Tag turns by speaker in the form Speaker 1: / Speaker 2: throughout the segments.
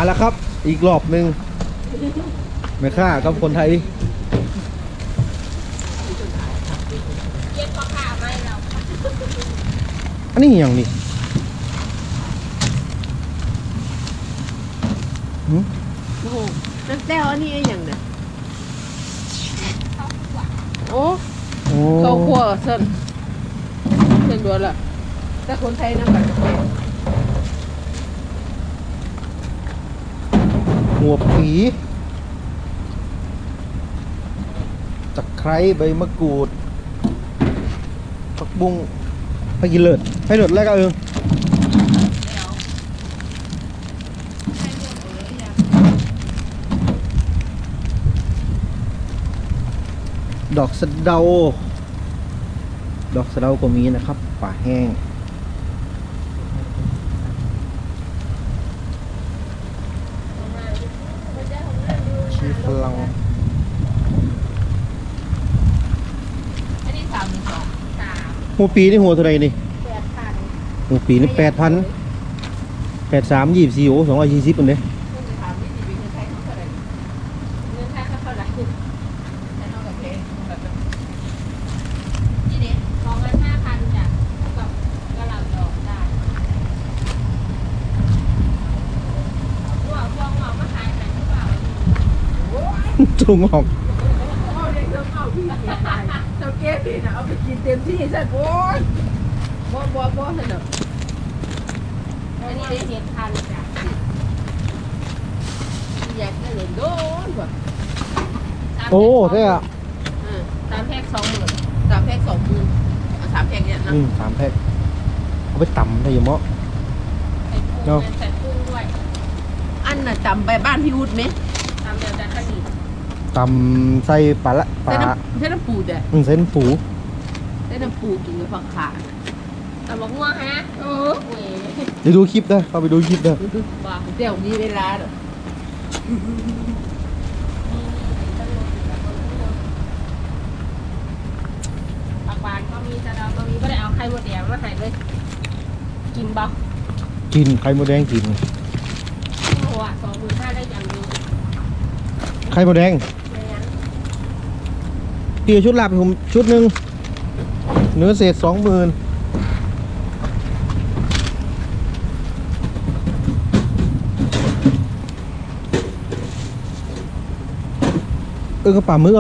Speaker 1: แล้วครับอีกรอบหนึ่งไม่ค่ากับคนไทยอันนี้อย่างนี้
Speaker 2: โอ้โหน้ำแต้วอันนี้อย่างเนี่ยโอ้ข้าวคั่วเส้นด่วนละแต่คนไทยน้ำกัน
Speaker 1: หัวผีตะไคร้ใบมะกรูดผักบุ้งไปกินเลิศให้เลิศแล้วก็ดอกสะเดาก็มีนะครับป่าแห้งชีฝรั่งหัวปีนี่หัวเท่าไรนี่หัวปีนี่8,000 83 24โอ้220คนเด้จุงออก
Speaker 2: เจ้าเก๊พี่นะเอาไปกินเต็มที่ซะโอ้ยบ่สนุกอันนี้ได้7,000จ้ะอยากได้เงินโดนกว่า
Speaker 1: โอ้ใช่อ่ะ
Speaker 2: 3 แพ็ค 20,000 3 แพ็ค 20,000เอา3 แพ็คเนี่ยนะ
Speaker 1: 3 แพ็คเอาไปตำได้ยังมั้ง
Speaker 2: เนาะใส่กุ้งด้วยอันน่ะตำไปบ้านพี่วุฒิไหมตำเดียวจะขนิ
Speaker 1: ตำใส่ปลา
Speaker 2: ใส่น้ำปูเด้
Speaker 1: อใส่น้ำปู
Speaker 2: ใส่น้ำปูกินกับผักขาตำบักม่วงฮะ
Speaker 1: เดี๋ยวดูคลิปเด้อเข้าไปดูคลิปเด้อ
Speaker 2: บ้าเดี๋ยวมีเวลาเด้อผักหวานก็มีจะเราก็มีก็ได้เอาไข่มดแดงมาใส่เลยกินบ่
Speaker 1: กินไข่มดแดงกิน
Speaker 2: โอ้โห25,000ได้อย่างนึง
Speaker 1: ไข่มดแดงเกี่ยวชุดลาบผมชุดหนึ่งเนื้อเศษ20,000กระป๋ามือ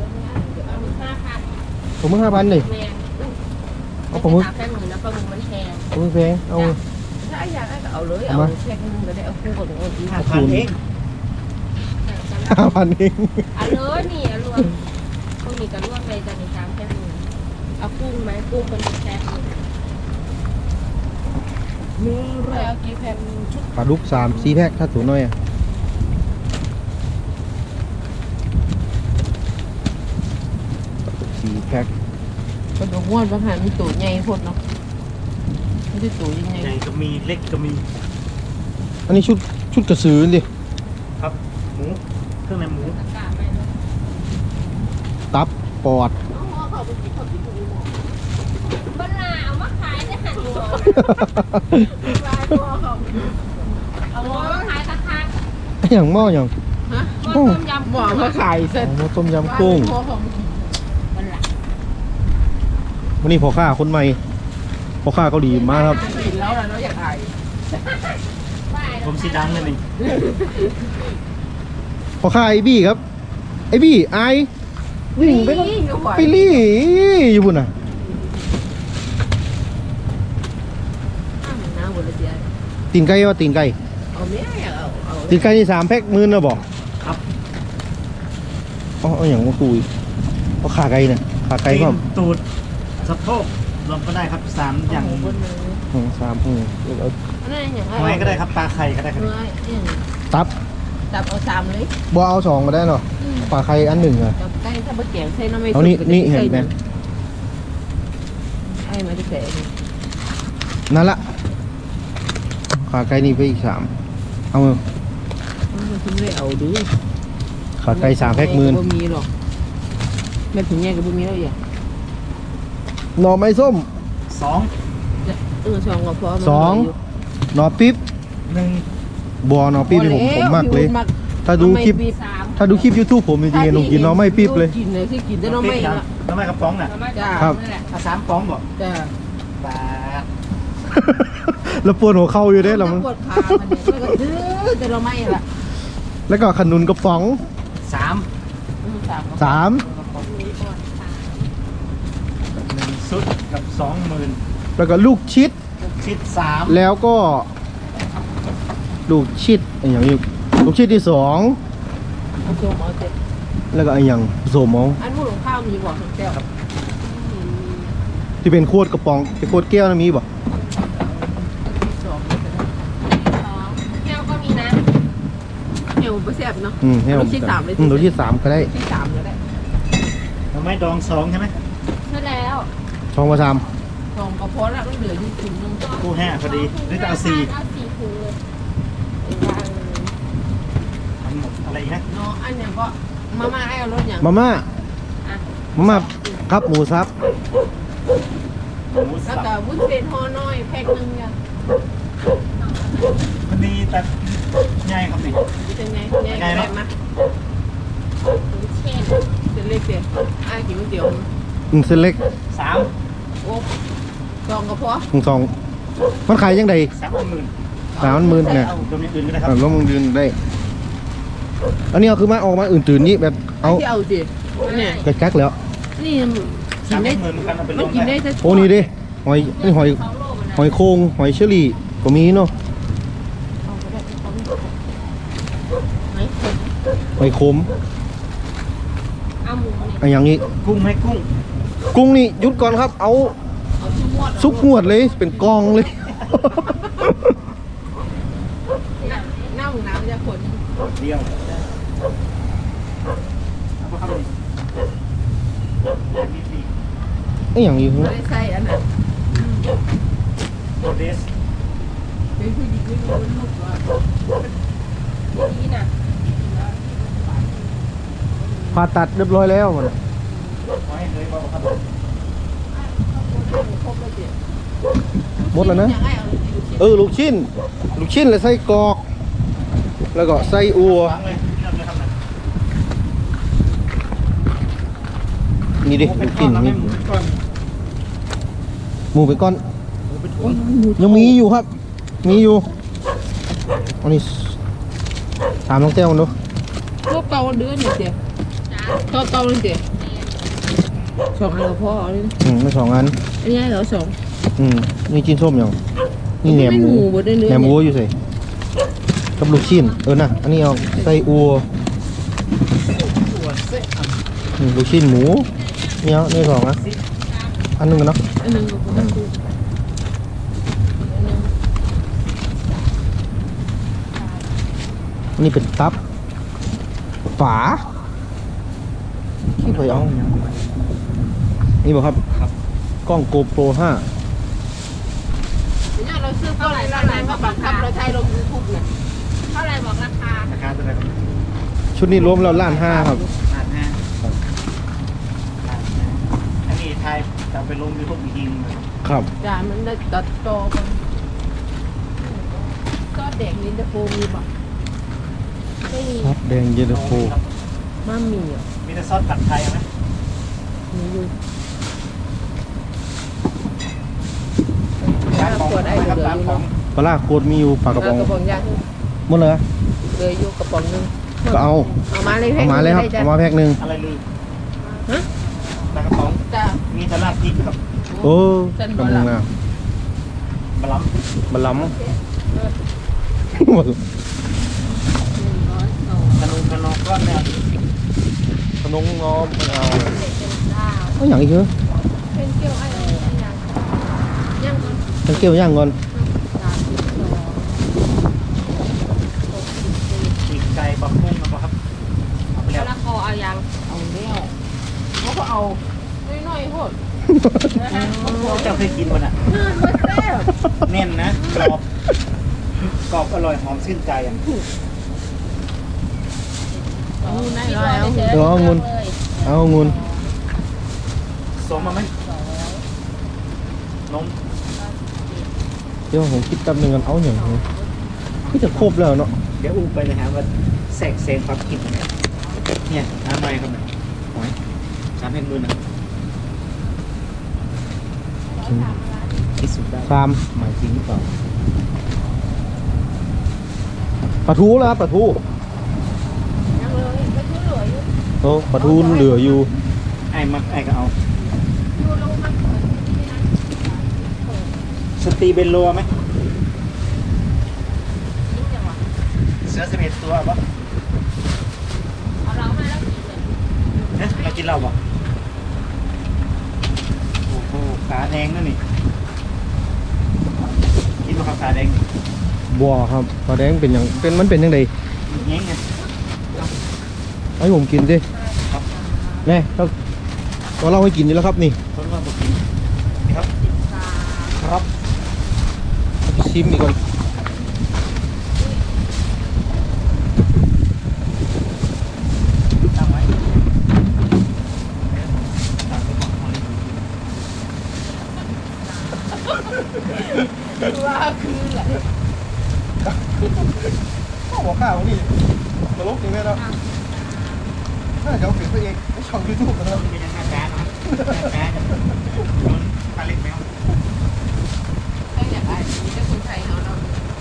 Speaker 1: ผม5,000เลยเอาผมมือ
Speaker 2: แค่มือนะปลาหมึกมันแพง
Speaker 1: ผมแพงเอา
Speaker 2: ถ้าอยากได้ก็เอาเลยเอาแค่นึงก็ได้เอาคู่กับหนู5,000 เอง
Speaker 1: 5,000 เอง
Speaker 2: เอาเลยนี่เอารวมกุ้งมีกันรวมเลยจะมี3แค่มือเอากุ้งไหมกุ้งเป็นแพ็คมือแล้วกี่แพ็ค
Speaker 1: ปลาดุก3-4 แพ็คถ้าสูงหน่อย4 แพ็ค
Speaker 2: กระดูกม้วนบางหันมีตัวใหญ่พดเนาะไม่ใช่ตัวยังไง
Speaker 3: ใหญ่ก็มีเล็กก็มี
Speaker 1: อันนี้ชุดกระสือดิ
Speaker 3: ครับหมูเครื่องในหมู
Speaker 1: ตับปอด
Speaker 2: บ้านนาเอามาขายได้หันหัวเอาหม้อมาขายคัก
Speaker 1: ๆอย่างหม้ออย่าง
Speaker 2: หม้อต้มยำหม้อมาขายเสร็จ
Speaker 1: หม้อต้มยำกุ้งวันนี้พ่อค้าคนใหม่พ่อค้าเกาหลีมากครับ
Speaker 2: กินแล้วเราอยากอาย
Speaker 3: ผมสีดำเลยนี่
Speaker 1: พ่อค้าไอบี้ครับไอบี้ไอวิ่งไปลี่อยู่บุญน่ะตีนไก่ว่าตีนไก่ตีนไก่นี่3 แพ็ค10,000นะบอก
Speaker 3: ครับ
Speaker 1: อ๋ออย่างว่าคุยเพราะขาไก่เนี่ยขาไก่ก็
Speaker 3: ตูดสะโพกรวมก็ได้ครับ3 อย่าง
Speaker 1: 3
Speaker 3: หอยก็ได้ครับปลาไข่ก็ได้ครับ
Speaker 1: ตับ
Speaker 2: เอา3เลย
Speaker 1: บ่เอา2ก็ได้หรอปลาไข่อัน1อ่ะ
Speaker 2: ไก่ถ้าบะแกงใส่น้ำไม่
Speaker 1: เอานี่เห็นไหม
Speaker 2: ไอ้มาจะแกง
Speaker 1: นั่นละขาไก่นี่ไปอีก3เอา
Speaker 2: คุณไม่เอาดู
Speaker 1: ขาไก่3 แพ็ค10,000
Speaker 2: บ่มีหรอกแม่ถึงแง่กับบ่มีแล้วอย่า
Speaker 1: หน่อไม้ส้ม
Speaker 3: 2
Speaker 2: 2ก็พอ
Speaker 1: 2หน่อปิ๊บ
Speaker 3: 1
Speaker 1: บัวเนาะปี๊บนี่ผมมากเลย ถ้าดูคลิป
Speaker 2: สาม
Speaker 1: ถ้าดูคลิป YouTube ผมจริงๆน้องกินเนาะไม่ปี๊บเลย
Speaker 2: กินเลยที่กินแต่น้องไม่ละ
Speaker 3: น้ำไม่กระป๋องน่ะ
Speaker 2: จ้า
Speaker 1: ครับ
Speaker 2: นั่นแหละ
Speaker 3: ถ้า3ป๋องบ่
Speaker 2: จ้า
Speaker 3: บาท
Speaker 1: แล้วปวดหัวเข่าอยู่เด้แล้วมัน
Speaker 2: ปวดขามันเนี่ยแล้วก็ดื้อแต่เราไม่ละ
Speaker 1: แล้วก็ขนุนกระป๋อง
Speaker 3: 3
Speaker 2: สาม
Speaker 3: 1 ชุดกับ 20,000
Speaker 1: แล้วก็ลูกชิด
Speaker 3: ชิด3
Speaker 1: แล้วก็ ลูกชิดอะไรอย่างนี้ลูกชิดที่
Speaker 2: ผสมเอาเจ็บ
Speaker 1: 2แล้วก็อะไรอย่างผสมเอา
Speaker 2: อันพูดของข้าวมีบอกทั้งแก้ว
Speaker 1: ที่เป็นขวดกระป๋องเป็นขวดแก้วนะมีบ่
Speaker 2: สองแก้วก็มีนะเอวไม่แซ่บเนาะ
Speaker 1: ให้ผม
Speaker 2: ลูกชิดสามเลย
Speaker 1: ลูกชิด3ก็ได้
Speaker 2: ที่สามก็ได้
Speaker 3: น้ำไม่ดอง2ใช่ไหม
Speaker 2: ใช่แล้ว
Speaker 1: 2 3
Speaker 2: สองกระเพาะแล้วก็เหลืออยู่ถุงนึง
Speaker 3: คู่5พอดีหรือจะเอา4
Speaker 2: เอาสี่ถุงเลยเอาวางเลย
Speaker 3: ทั้งหมดอะไรอีกนะ
Speaker 2: เนาะอันเนี้ยก็มาม่าให้เอารถอย่าง
Speaker 1: มาม่า
Speaker 2: อ่ะ
Speaker 1: มาม่าครับหมูซับ
Speaker 3: หมู
Speaker 2: แล้ว
Speaker 3: สับ
Speaker 2: ก็วุ้นเส้นห่อน้อยแพ็คนึงเนี่ย
Speaker 3: มันมีแต่ใหญ่ครับนี่
Speaker 2: เป็นไงเนี่ยได้ไหมเช่นเส้นเล็กเดียวอ่ะกินก๋วยเตี๋ยว
Speaker 1: เส้นเล็ก
Speaker 3: 3
Speaker 2: โอ้สองกระเพาะ
Speaker 1: สองมันขายยังไง
Speaker 3: 30,000
Speaker 1: 30,000เนี่ย
Speaker 3: เอาตัวนี้อื่นก็ได้ค
Speaker 1: อ่ะ
Speaker 3: รับ
Speaker 1: แล้วมึงยืนได้ อันนี้เอาคือมาออกมาอื่นตื่นนี่แบบเอา
Speaker 2: ที่เอาสิเนี่ย
Speaker 1: กระกักแล้ว
Speaker 2: นี่กินได้
Speaker 3: 30,000กันเอาไปล
Speaker 2: มัน
Speaker 3: ง
Speaker 2: กินได้
Speaker 3: ได้
Speaker 2: แต่
Speaker 1: โอ้นี่ดิหอยนี่หอยโคงหอยเชอรี่ก็มีเนาะหอยขม
Speaker 2: เอาหมูเนี่ย
Speaker 1: อันอย่างนี้
Speaker 3: กุ้งไหมกุ้ง
Speaker 1: กุ้งนี่หยุดก่อนครับ เอา
Speaker 2: เอาชิ้นหมด
Speaker 1: ซุกงวดเลยเป็นกองเลย
Speaker 2: หน้าหมูน้ำจะขน
Speaker 3: เดียวเอาไปครับนี่มี
Speaker 1: ไอ้อย่างนี้
Speaker 2: ไม่ได้ใส่อันนั้น
Speaker 3: โรเดส
Speaker 2: เป็นผู้หญิงไม่รู้ลูกว่านี่นะ
Speaker 1: ผ่าตัดเรียบร้อยแล้วมัน
Speaker 3: ไว้เลยบอกครับ
Speaker 2: ครบแล้วเจ็บ
Speaker 1: หมดแล้วนะ
Speaker 2: ยังไงเอาลูกชิ้น
Speaker 1: ลูกชิ้นแล้วไส้กรอก แล้วก็ไส้อัว
Speaker 3: วางเลยเริ่มเลยครับนะ
Speaker 1: นี่ดิลูกชิ้น
Speaker 3: เรา
Speaker 1: มี
Speaker 3: ไม่หมุนก่อน
Speaker 1: หมูไปก้อน
Speaker 3: หมูเป็น
Speaker 2: โอ้ย
Speaker 1: ยังมีอยู่ครับ มีอยู่ อันนี้ถามน้องแก้วกันดู
Speaker 2: ลูกเกาเดือนนี่เจ็บเกาเลยเจ็บสองอันก็พอเอาเลย
Speaker 1: ไม่2 อัน
Speaker 2: อันนี้เหรอสอง
Speaker 1: นี่จิ้นส้มยังนี่แหนมหมู
Speaker 2: บดเนื้อ
Speaker 1: แหนมวัวอยู่ใส่กับลูกชิ้นนะอันนี้เอาไส้อัว
Speaker 3: ตัวเส้น
Speaker 1: ลูกชิ้นหมูนี่เอานี่2 นะอันหนึงกันเนาะ
Speaker 2: อันนึงก็พอดู
Speaker 1: อันนี้เป็นตับฝาขี้ไปเอานี่บอกครับ
Speaker 3: ครับ
Speaker 1: กล้องโกโปร 5
Speaker 2: เนี่ยเราซื้อเท่าไหร่มาบังคับเราใช้ลงยูทูบเนี่ยเท่าไหร่บอกราคา
Speaker 3: ราคาตัวไหนครับ
Speaker 1: ชุดนี้รวมแล้ว1,500,000ครับ
Speaker 3: อันนี้ไทยจะไปลงยูทูบอีกทีนึง
Speaker 1: ครับ
Speaker 2: จานมันได้ตัดต่อกันก็เด็กนินเตอร์โฟมีบอกไม่มี
Speaker 1: ครับแดงเย็นตาโฟ
Speaker 2: มามีอ่ะ
Speaker 3: มีแต่ซอสผัดไทยไหม
Speaker 2: มีอยู่
Speaker 3: ร้านของนะครับร้านของ
Speaker 1: ปลาร้าโคตรมีอยู่ปลากระป๋อง
Speaker 2: กระป๋องยาง
Speaker 1: หมดเลย
Speaker 2: เลยอยู่กระป๋องนึง
Speaker 1: ก็เอา
Speaker 2: เอามาเลย
Speaker 1: เอามาเลยครับเอามาแพ็คหนึ่ง
Speaker 3: อะไรลืม
Speaker 2: ฮะ
Speaker 3: ปลากระป๋อง
Speaker 2: จ้า
Speaker 3: มีแต่ลาบพริกกับ
Speaker 1: โอ้
Speaker 2: จัน
Speaker 1: กำ
Speaker 2: บอ
Speaker 1: ลัง
Speaker 2: ละ
Speaker 1: นะ
Speaker 3: บะหลัม
Speaker 1: บะหล้ำ
Speaker 3: ขนมขนมก้อนเนี่ย
Speaker 1: ขนมง้อมไม่เอาเอาอย่างอีกเหรอ
Speaker 2: เป็นเกี๊ยวอะไรยังก่อน
Speaker 1: ฉันเกี่ยวย่างก่อน
Speaker 3: ปีกไก่บะกุ้งนะครับเอาไปแล้ว
Speaker 2: ละคอเอายังเอาแล้วเขาก็เอาน้อยๆโหด
Speaker 3: เจ้าเคยกินมันอ่ะ
Speaker 2: ไม่แซ่บ
Speaker 3: แน่นนะกรอบกรอบอร่อยหอมชื่นใจอ่ะ
Speaker 2: เอาได้แล้ว
Speaker 1: เดี๋ยวเอาเงินเอาเงิน
Speaker 3: สมมาไหมนม
Speaker 1: เดี๋ยวผมคิดแป๊บนึงกันเอาอย่างนี้
Speaker 3: เอา
Speaker 1: ก็จะครบแล้วเนาะ
Speaker 3: เดี๋ยวอูไปเลยครับว่าแสกเซนความคิดเนี่ยน้ำหน่อยครับเนี่ยหอย3,000 มื้อนะที่สุดได้
Speaker 1: ชาม
Speaker 3: หมายจริงหรือเปล่า
Speaker 1: ปลาทูแล้วครับปลาทู
Speaker 2: ยังเลยก็ช่วยเหลืออยู่
Speaker 1: โอ้ปลาทูเหลืออยู่
Speaker 3: ไอ้มักไอ้ก็เอา
Speaker 2: ดูลงมาเปิดที่นั่น
Speaker 3: สตีเบนโลไหม
Speaker 2: ยิ่งจังหวะ
Speaker 3: เสือ11 ตัวปะ
Speaker 2: เอาเรามาแล้วกินเลย
Speaker 3: เนี่ยเรากินเหล้าปะโอ้โหขาแดงนั่นนี่กินว่าขาแดง
Speaker 1: บัวครับปลาแดงเป็นอย่างมันเป็นยังไง
Speaker 3: เงี้ยไง
Speaker 1: ให้ผมกินดิแน่เราเล่าให้กินอยู่แล้วครับนี่
Speaker 3: คนว่าบอกกินนี่ครับ ครับ
Speaker 1: เอาไปชิมอีกก่อน
Speaker 3: ตั้งไว้
Speaker 2: ว่าคืออะไร
Speaker 1: หัวข้าวนี่ตลกจริงไหมครับน่าจะเอาเปลี่ยนตัวเองไม่ช่องยูทูบนะครับ
Speaker 3: เป็นยังไงแจ๊นะแจ๊จะโดนปลาเล็กไหมครับ
Speaker 2: ต้องอยากอ่านนี้จะคนไทยเขาเนาะ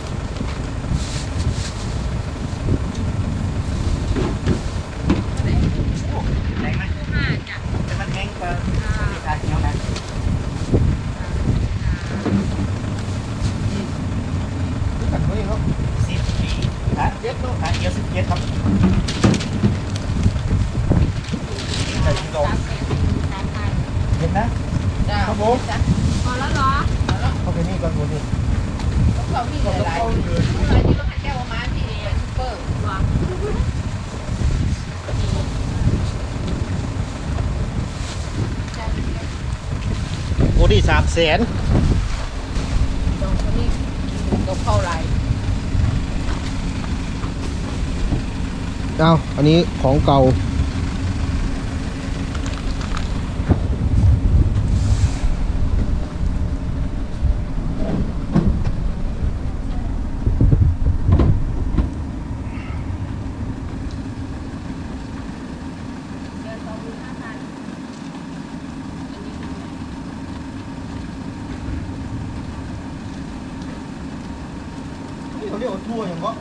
Speaker 3: แรงไหม
Speaker 2: ห้าจ้ะ
Speaker 3: แต่มันแห้งกว่าที่ทานเหนียวนะ
Speaker 1: รู้จักตัวเองครับ
Speaker 3: 10 ปีฮะเย็ดลูกฮะเยอะ17ครับ
Speaker 1: ใส่กินดอก
Speaker 3: เห็นนะ
Speaker 2: จ้า
Speaker 1: ครับผม
Speaker 2: จ้ะพอแล้วเหรอพอแล้ว
Speaker 1: เข้าไปนี่ก่อนตัวนี้
Speaker 2: เขามีหลายๆที่ต้องหันแก้วมาที่ซุปเปอร์วาง
Speaker 1: โอ้ดี300,000
Speaker 2: ตรงนี้ตรงเข้าไร
Speaker 1: เอาอันนี้ของเก่านี่เขาเรียกว่าทั่วอย่างก็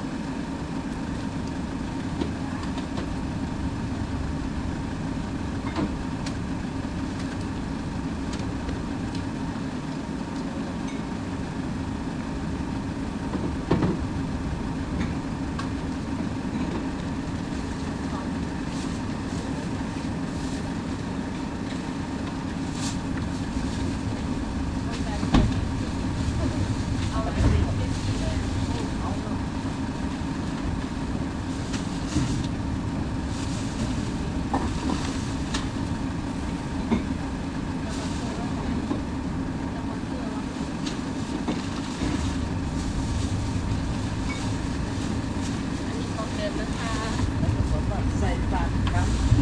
Speaker 3: ใส่ปากครับ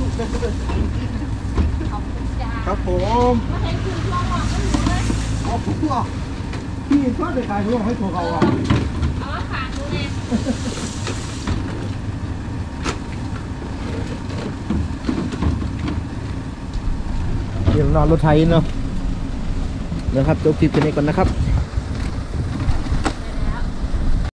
Speaker 2: ขอบคุณจ้า
Speaker 1: ครับผม
Speaker 2: มาเห็นคุณช่วงหลอกก็รู้เลย
Speaker 1: เอาทั่วพี่ชอบไปขายทั่วให้ทั่วเขาอ่ะ
Speaker 2: เอามาฝากดูเลย
Speaker 1: เดี๋ยวนอนรถไทยเนาะเดี๋ยวครับจบคลิปกันนี้ก่อนนะครับ